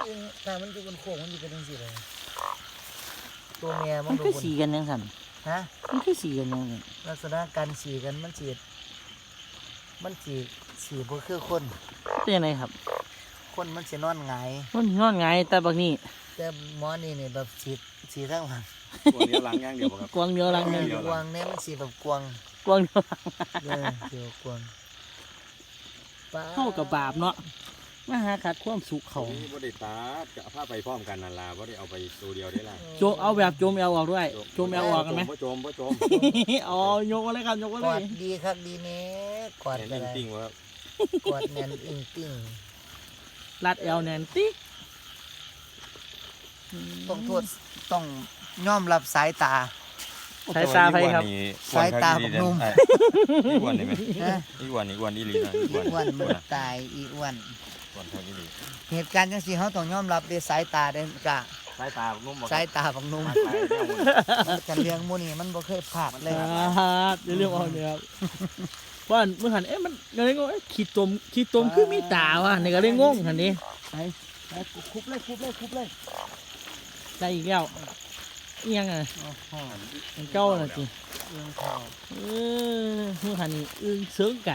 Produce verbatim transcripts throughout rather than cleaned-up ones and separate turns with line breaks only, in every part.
ถ้ามันอยู่บนโค้งมันอยู่เป็นจังซี่เลยตัวเมียมั
มัน น
ดู
คือบ
น
สีกันยังสั่น
ฮะ
มันคือสีกันยังสั่น
ลักษณะการสีกันมันสีมันสีสีบ่คือคน
เป็นยังไงครับ
คนมันสินอนหงาย
มันนอนไงแต่บางนี่
แต่หมอนี่นี่แบบสีสีทั้งหลัง
ตัวเดียวหลังอย่างเดียวบ่ครับ
กวางเดียวลังเดียว
เดียว
กวางเนี่ยมันสีแบบกวาง
กวางเดียว
เออสีแบบกวางป้
เข้ากับบาปเนาะมาหาขัดความสุขเขา
เขาบ่ได้ตัดก็เอาผ้าไปพร้อมกันนั่นล่ะบ่ได้เอาไปตัวเดียวได้ล่ะ
โจเอาแบบโจมแอลออกด้วยโจมแอลออกกันไหม
บ่โจมบ่โจม
อ๋อโยกมาเลยครับโยกมาก เล
อย ดดีครับดีเนี้กอด
แน่น
ไปเลย
จริงๆว่าครับ
กอดแน่นอิงติ้ง
รัดแอลแนนติ๊ก
ต้องโทษต้องยอมรับสายตา
สายตาไฟครับ
สายตาบักนุ่ม
อีอ้วนนี่ไหม
นะ
อีอ้วนอีอ้วนอีหลีนะอี
อี
อ้วน
อ้วนมันตายอีอ้วน
อ้วนทางอีหลี
เหตุการณ์จังซี่เขาต้องยอมรับด้วยสายตาเด้อกะ
สายตานุ่มบ่
สายตาบักนุ่ม
มาสายแนวมัน
มันกันเลี้ยงหมูนี่มันบ่เคยพลาดเลย
อ่าเดี๋ยวเรื่องออกเนี่ยครับว่าเมื่อหันเอ๊ะมันก็เลยงงเอ๊ะขีดตมขีดตมคือมีตาวะนี่ก็เลยงงหันนี้
ไปไปคุบเลยคุบเลยคุบเลย
ได้อีกแล้วเอียงอ่ะ
โอ้โห
มันเก้าน่ะจี
เรื่องพอ
เออเมื่อหันนี้อึ้งเสริงกัน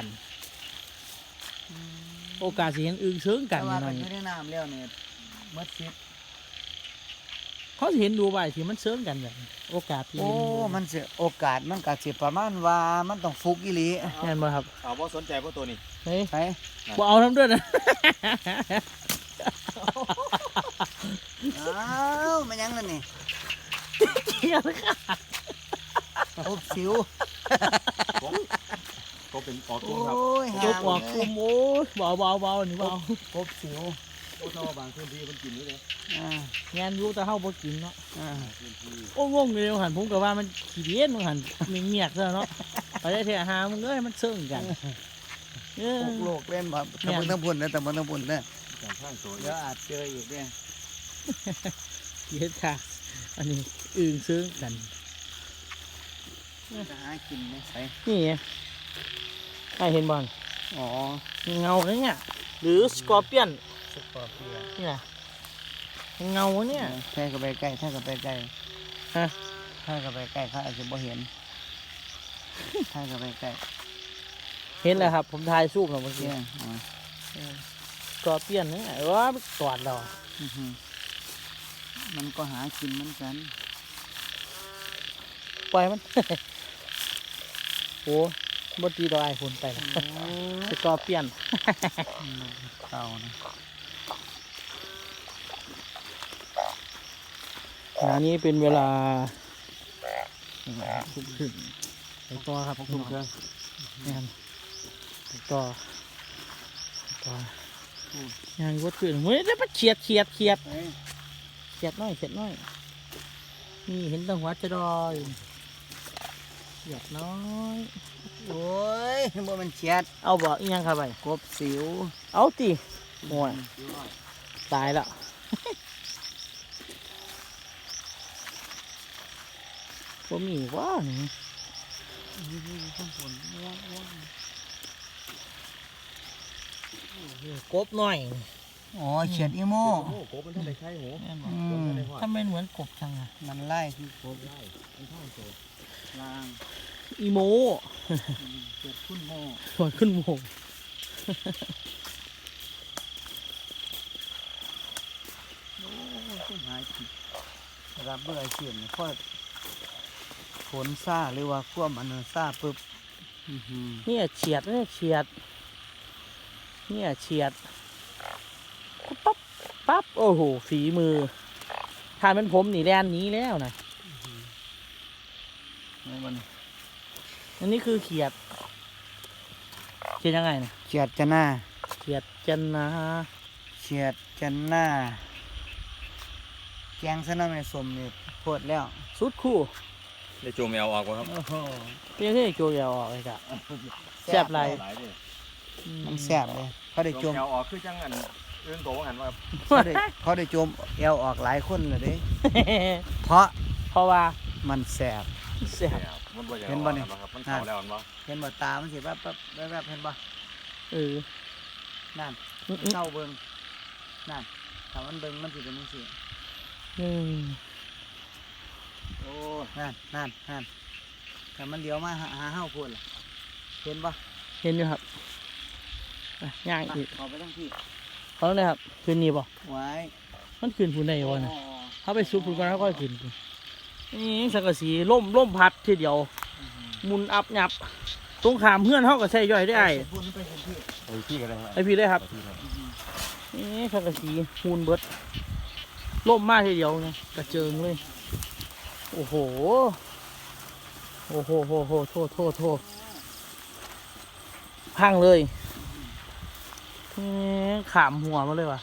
โอกาสสิเห็นอึ้งเสริงกั
แต่
น
ว่า
หน่
กั
อน ย
อยู่ในน้ำแล้วเนี่ยมัดซิด
เขาสิเห็นดูไปที่มันเสริงกันแบบโอกาสที่
โอ้มันสิโอกาสมันก็สิประมาณว่ามันต้องฟุกอีหลี
แน่นบ่ครับ
เอาบ่สนใจบ่ตัวนี้
เฮ้ย
ไป
บ่เอาทำด้วยนะ
อ้าวมันยังนั่นนี่
เที่ยวค่ะ
โอ้สิว
ก็เป็นออก
โอ
ตุ้มครับ
้ย
ยกออกคุมโอ้ยเบาเบาเบานี่เบา
พบสิว
โอ้ถ้าว่าบางพื้นที่มันกินอยู่เลย
อ่าง
านอยู่แต่เฮาบ่กินเนาะ
อ่า
พื้นที่
โอ้งงเลยหันผมก็ว่ามันขี้เดียนมันหันมีเงียกซะเนาะไปได้เถอะหามึงเอ้ยมันเสื่องกันเออ
พวกโลกเล่นแบบตะบนตะบุนนะตะบนตะบุนนะ
การข้างตัว
เดี๋ยวอาจเจออีกเนี่ย
เฮ็ดค่ะ อันนี้อึ่งเสื่องกัน
จะหากินไหมใส่
นี่ไงใครเห็นบอล
อ๋อ
เงาเนี่ยหรือสกอร์เปียน
สกอร์เปียน
นี่นะเงาเนี่ย
แท่กับไปใกล้แท่กับไปใกล้
ฮะ
แท่กับไปใกล้เขาอาจจะบ่เห็นแท่กับไปใกล้
เห็นแล้วครับ ผมถ่ายซูมแล้วเมื่อกี้
เนี่ยอ๋อ
สกอร์เปียนเนี่ยว่ามันตอดเรา
อื้อหือมันก็หากินเหมือนกัน
ปล่อยมัน โอ้บตีดอกไอ้คนไปแล้ว
โอ้
สกอร์เปียน
เต่านะ
งานนี้เป็นเวลาทุ่มครึ่งไปต่อครับทุ่มครึ่งงานไปต่อไปต่องานวัดขึ้นเฮ้ยได้มาเฉียดเฉียดเฉียด
เอ้ย
เฉียดน้อยเฉียดน้อยนี่เห็นตังหัวจะดอยเฉียดน้อย
โอ้ยบ่มันเฉียด
เอาบ่อีหยังครับไป
กบสิว
เอาตีโอ้ยตายแล้วบ่มีว่านี่กบหน่อย
อ๋อเฉียดอีโม
โอ้โหมันท่านได้ใช่โห
อืม
ทำไมเหมือนกบจังอะ
มันไล่คือกบ
ไล่มันท่านโต
ล่าง
อีโม
เฉียดขึ้นโม
สวนขึ้นโมง
โอ้ยขึ้นหายผิดรับเบื่อเฉียดนี่พอฝนซ่าหรือว่าควมอันนั้นซ่าปึ๊บอื้อหือ
เนี่ยเฉียดเนี่ยเฉียดเนี่ยเฉียดปั๊บปั๊บโอ้โหฝีมือถ้าเป็นผมนี่แลนหนี้แล้วนะ
ไม่มัน
อันนี้คือเขียดเขียดยังไงนะ
เฉียดจะหน้า
เขียดจันนะ
เฉียดจะหน้าแกงซะน้ำในสมนี่โพดแล้ว
สุดคู่
ได้โจมแมวออกบ่ครับ
โอ้โห
เพียงแค่โจยาวออกเลยจ้ะ แซ่บหลาย
หลายเด้
มันแซ่บเลยเขาได้
โจ
โจ
ม
ม
แมวออกคือจังอันเรื่องโตว่าหันว่า
เขาได้เขาได้โจมแอวออกหลายคนเลยเด้เพราะ
เพราะว่า
มันแซ่บ
เสียบ
มันบ่อยาก
เห็นบ่นี่
ครับมันเข้าแล้วมันบ่
เห็นบ่ตามันสิแวบแวบแวบแวบเห็นบ่
เออ
นั่น
อื้ออื้อ
เศร้าเบิ่งนั่นถ้ามันเบิ่งมันสิเป็นจังซี่
อืม
โอ้
นั่นนั่นนั่นถ้ามันเลี้ยวมาหาหาเฮาพูดล่ะเห็นบ่
เห็นอยู่ครับไปย่าง
ไป
อีก
เข้าไปทั้งที่
เขาเลยครับคืนนี้บ่
ไว้
มันคืนคุณได้วะนะ
อ๋อ
เขาไปซุปคุณก่อนแล้วก็คืนพุ่นนี่สังกะสีล่มล่มพัดทีเดียวหมุนอับหยับตรงขามเพื่อนเขาก็ใส่ย่อยได้ไอ้
พูดไปเห็นที่
ไอ้พี่ก็ได้
ไอพี่เลยครับ
พี่ครับ
นี่สังกะสีมูลเบิดล่มมากทีเดียวไงกระเจิงเลย โอ้โห โอ้โหโหโหโทษโทษโทษพังเลยนี่ขามหัวมาเลยว่ะ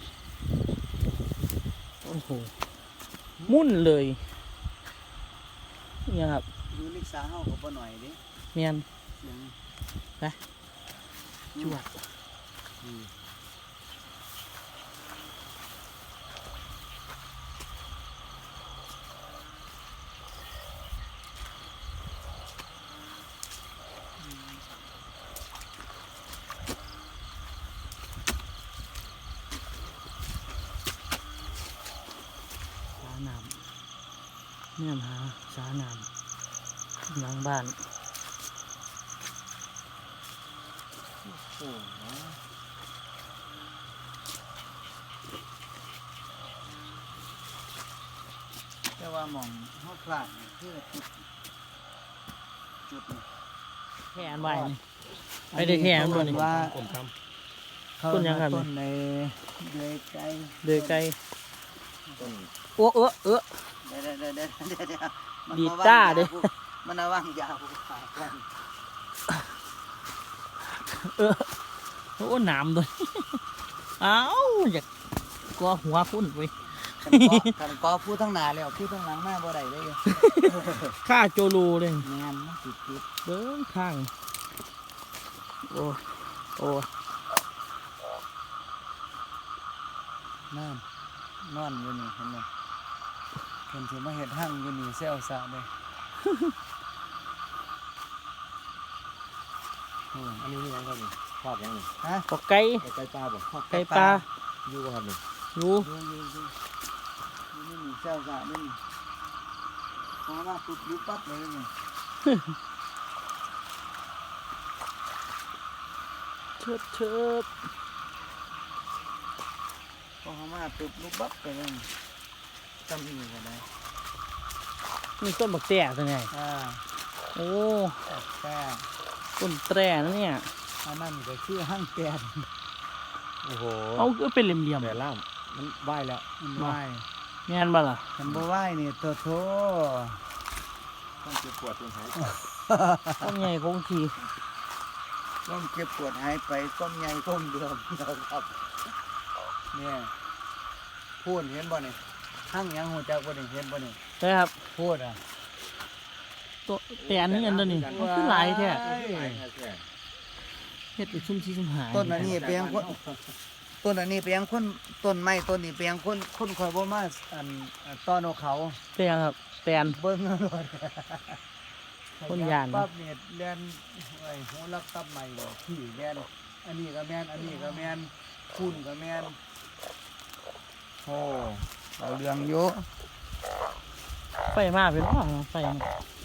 โอ้โห มุ่นเลยเนี่ยครับ
อยู่ลิกษาเฮาก็บ่หน่อยเด้
เนียน
เสียง
จวด
อืม
สาน้ำเนี่ยหาสาน้ำหลังบ้าน
โอ้โหแต่ว่าหม่องเฮาพลาดนี่คือจุดจุดนี่
แค่อันไว้นี่ ไม่ได้แค่มันบ่นี่
ว่า
ผมท
เขา
ต้นยังครับ
ต้นในเดือยไก่
เดือยไกล
ำต้น
โอ้เออเออ
เดี๋ยวเดี๋ยวเดี๋ยวเดี๋ยวเดี๋ยวเดี๋ยวมัน
ดีด
ม
ต้า
ว่ง
เด้
ยกูมันเอาว่างยาวกูขาดกัน
เออโอ้หนามด้วย เอ้าอยากกลัวหัวพุ่นไป
คันกอคันกอพูดทั้งหน้าแล้วพูดทั้งหลังมาบ่ได้เลย
ข้าโจลูเลย
แม่นมันติดติด
เบิ้งข้าง โอ้โอ้
นั่นนอนอยู่นี่เห็นไหมเพิ่นสิมาเฮ็ดหั่งอยู่นี่แซวซะเด้โอ้
อันนี้นี่ยังครับนี่ภาพยังนี่
ฮะ
ปอกไก่
ไก่ปลาบ่
ไก่ปลา
อยู่บ่ครับนี่
อยู่
ดูอยู่อยู่อยู่นี่นี่แซวซะนี่นี่พอมาปุ๊บอยู่ปั๊บเลยนี่
เชิบเชิบ
พอเขามาปุ๊บลุกปั๊บไปเลยนี่จำอีกก็ได้
นี่ต้นบักแต้ตัวไง
อ่า
โอ้
แต่
ต้นแตร่นะเนี่ย
อันนั้นก็คือหั่งแกน
โอ้โห
เอาก็เป็นเหลี่ยม
แต่ล่ามมันไหวแล้ว
มันไหว
ๆแม่นบ่ล่ะ
ฉันบ่ไหวนี่โตโถ
ต้องเจ็บปวดจนหาย
ต้นใหญ่คงที
ก้มเก็บปวดหายไปก้มใหญ่ก้มเดิมนะครับเนี่ยพูดเห็นบ่นี่หั่งหยังหูจักบ่นี่เห็นบ่นี่
ใช่ครับ
พูดอ่ะ
ตัวแต่อันนี้อันตัวนี้มันคือหลายแท้
หลายแท้
เฮ็ดไปชุ่มชี้ชุ่มหาย
ต้นอันนี้เปียงคนต้นอันนี้เปียงคนต้นไม้ต้นนี้เปียงคนคนคอยบ่มาอันอันต้อนเอาเขา
แต่ครับแต่อัน
เบิ่งเอาโลด
คนย่านนะ
ปั๊บเนี่ยแล่นไอ้หูรักตับใหม่ดอกที่แล่นอันนี้ก็แม่นอันนี้ก็แม่นคุณก็แม่นโอ้เอาเรื่องอยู่
ไฟมาเป็นว่าไฟมา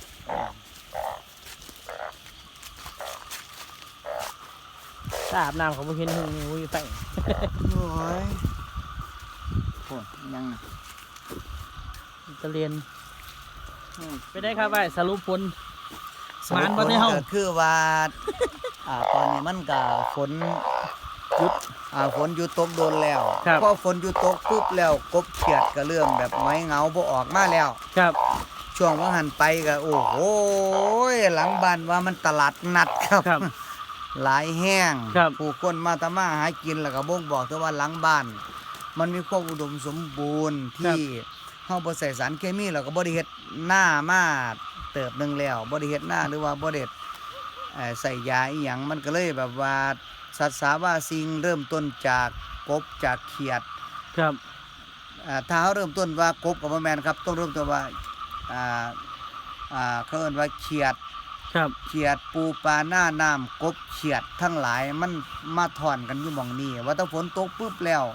ถ้าอาบน้ำเขาบ่เห็นหงอุ้ยไฟ
โอ้ยโอ้ยยังน่ะ
ตะเรียน
อืม
ไปได้ครับไอ้สรุปผลหมานบ่ได้เฮา
ก็คือว่า อ่าตอนนี้มันก็ฝนหยุดอ่าฝนหยุดตกโดนแล้ว
ครับ
พอฝนหยุดตกปุ๊บแล้วกบเขียดก็เริ่มแบบหงอยเหงาบ่ออกมาแล้ว
ครับ
ช่วงว่าหันไปก็โอ้โหหลังบ้านว่ามันตลาดนัดครับ
ครับ
หลายแห้ง
ครับ
ผู้คนมาทำมาหากินแล้วก็บ่งบอกแต่ว่าหลังบ้าน มันมีความอุดมสมบูรณ์ที่เฮาบ่ใส่สารเคมีแล้วก็บ่ได้เฮ็ดหน้ามาเติบหนึงแล้วบ่ได้เฮ็ดหน้าหรือว่าบ่ได้เอ่อใส่ยาอีหยังมันก็เลยแบบว่าสัตว์สาว่าสิ่งเริ่มต้นจากกบจากเขียด
ครับ
อ่าถ้าเฮาเริ่มต้นว่ากบก็บ่แม่นครับต้องเริ่มต้นว่าอ่าอ่าเขาเอิ้นว่าเขียด
ครับ
เขียดปูปลาหน้าน้ำกบเขียดทั้งหลายมันมาถอนกันอยู่หม่องนี้ว่าถ้าฝนตกปุ๊บแล้ว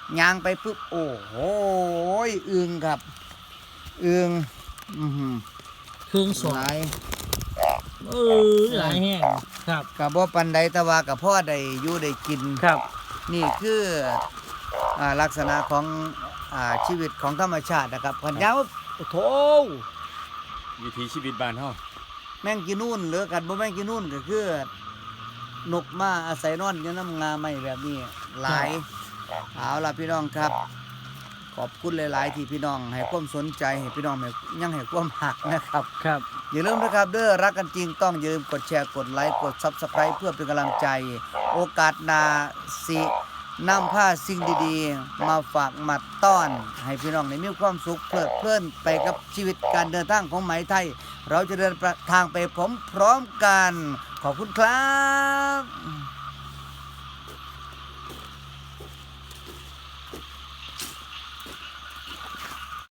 ยางไปปุ๊บโอ้โหอึงครับอึงอือหือ
เครื่องส
ห
ว
ลาย
เออหลายแห้งครับ
กับบ่ปันใดแต่ว่ากับพ่อได้อยู่ได้กิน
ครับ
นี่คืออ่าลักษณะของอ่าชีวิตของธรรมชาตินะครับพันยาวโอ้โถ
วิถีชีวิตบ้านเฮา
แมงกินนู่นหรือกันบ่แมงกินนู่นก็คือนกมาอาศัยนอนอยู่น้ำงาไม้แบบนี้หลายเอาล่ะพี่น้องครับ ขอบคุณหลาย ๆ ที่พี่น้องให้ความสนใจให้พี่น้องให้ยังให้ความหักนะครับ
ครับ
อย่าลืมนะครับเด้อรักกันจริงต้องอย่าลืมกดแชร์กดไลค์กด Subscribe เพื่อเป็นกำลังใจ โอกาสหน้าสินำผ้าสิ่งดีๆ มาฝากมาต้อน ให้พี่น้องได้มีความสุขเพลิดเพลินไปกับชีวิตการเดินทางของไหมไทย เราจะเดินทางไปพร้อมๆกัน ขอบคุณครับ